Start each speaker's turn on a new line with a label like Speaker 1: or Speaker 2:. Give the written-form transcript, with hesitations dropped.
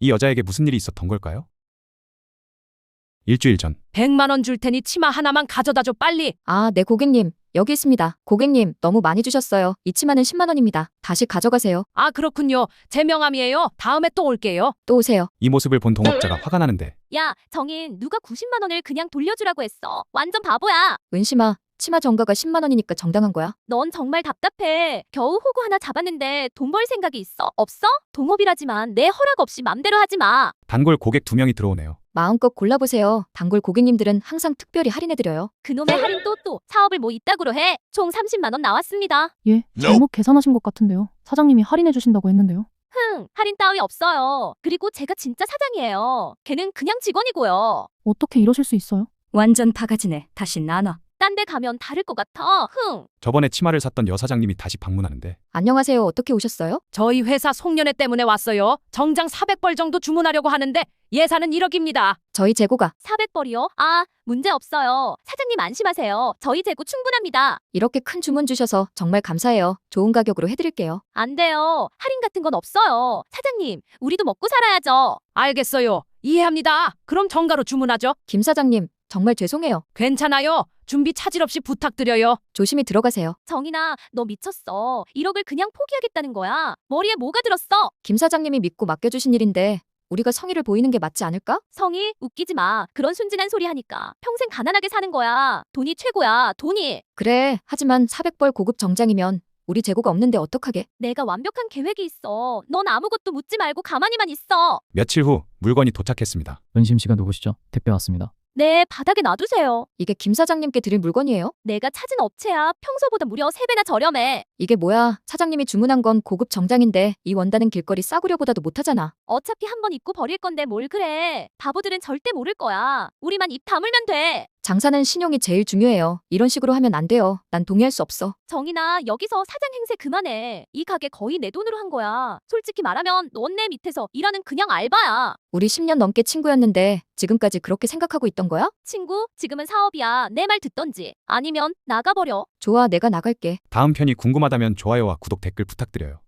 Speaker 1: 이 여자에게 무슨 일이 있었던 걸까요? 일주일 전
Speaker 2: 100만 원 줄 테니 치마 하나만 가져다 줘 빨리.
Speaker 3: 아, 네, 고객님. 여기 있습니다. 고객님, 너무 많이 주셨어요. 이 치마는 10만 원입니다. 다시 가져가세요.
Speaker 2: 아 그렇군요. 제 명함이에요. 다음에 또 올게요.
Speaker 3: 또 오세요.
Speaker 1: 이 모습을 본 동업자가 화가 나는데
Speaker 4: 야, 정인, 누가 90만 원을 그냥 돌려주라고 했어. 완전 바보야.
Speaker 3: 은심아, 치마 정가가 10만 원이니까 정당한 거야.
Speaker 4: 넌 정말 답답해. 겨우 호구 하나 잡았는데 돈 벌 생각이 있어? 없어? 동업이라지만 내 허락 없이 맘대로 하지 마.
Speaker 1: 단골 고객 2명이 들어오네요.
Speaker 3: 마음껏 골라보세요. 단골 고객님들은 항상 특별히 할인해드려요.
Speaker 4: 그놈의 할인 또 사업을 뭐 이따구로 해. 총 30만 원 나왔습니다.
Speaker 5: 예, 잘못 계산하신 것 같은데요. 사장님이 할인해 주신다고 했는데요.
Speaker 4: 할인 따위 없어요. 그리고 제가 진짜 사장이에요. 걔는 그냥 직원이고요.
Speaker 5: 어떻게 이러실 수 있어요?
Speaker 2: 완전 바가지네. 다시 나눠.
Speaker 4: 딴 데 가면 다를 것 같아.
Speaker 1: 저번에 치마를 샀던 여사장님이 다시 방문하는데
Speaker 3: 안녕하세요. 어떻게 오셨어요?
Speaker 2: 저희 회사 송년회 때문에 왔어요. 정장 400벌 정도 주문하려고 하는데 예산은 1억입니다.
Speaker 3: 저희 재고가
Speaker 4: 400벌이요? 아, 문제 없어요. 사장님 안심하세요. 저희 재고 충분합니다.
Speaker 3: 이렇게 큰 주문 주셔서 정말 감사해요. 좋은 가격으로 해드릴게요.
Speaker 4: 안 돼요. 할인 같은 건 없어요. 사장님, 우리도 먹고 살아야죠.
Speaker 2: 알겠어요. 이해합니다. 그럼 정가로 주문하죠.
Speaker 3: 김 사장님, 정말 죄송해요.
Speaker 2: 괜찮아요. 준비 차질 없이 부탁드려요.
Speaker 3: 조심히 들어가세요.
Speaker 4: 정인아, 너 미쳤어. 1억을 그냥 포기하겠다는 거야. 머리에 뭐가 들었어?
Speaker 3: 김 사장님이 믿고 맡겨주신 일인데 우리가 성의를 보이는 게 맞지 않을까?
Speaker 4: 성이 웃기지 마. 그런 순진한 소리 하니까 평생 가난하게 사는 거야. 돈이 최고야. 돈이.
Speaker 3: 그래, 하지만 400벌 고급 정장이면 우리 재고가 없는데 어떡하게?
Speaker 4: 내가 완벽한 계획이 있어. 넌 아무것도 묻지 말고 가만히만 있어.
Speaker 1: 며칠 후 물건이 도착했습니다.
Speaker 6: 은심 씨가 누구시죠? 택배 왔습니다.
Speaker 4: 네, 바닥에 놔두세요.
Speaker 3: 이게 김 사장님께 드릴 물건이에요?
Speaker 4: 내가 찾은 업체야. 평소보다 무려 3배나 저렴해.
Speaker 3: 이게 뭐야? 사장님이 주문한 건 고급 정장인데 이 원단은 길거리 싸구려보다도 못하잖아.
Speaker 4: 어차피 한 번 입고 버릴 건데 뭘 그래. 바보들은 절대 모를 거야. 우리만 입 다물면 돼.
Speaker 3: 장사는 신용이 제일 중요해요. 이런 식으로 하면 안 돼요. 난 동의할 수 없어.
Speaker 4: 정인아, 여기서 사장 행세 그만해. 이 가게 거의 내 돈으로 한 거야. 솔직히 말하면 넌 내 밑에서 일하는 그냥 알바야.
Speaker 3: 우리 10년 넘게 친구였는데 지금까지 그렇게 생각하고 있던 거야?
Speaker 4: 친구, 지금은 사업이야. 내 말 듣던지. 아니면 나가버려.
Speaker 3: 좋아, 내가 나갈게.
Speaker 1: 다음 편이 궁금하다면 좋아요와 구독 댓글 부탁드려요.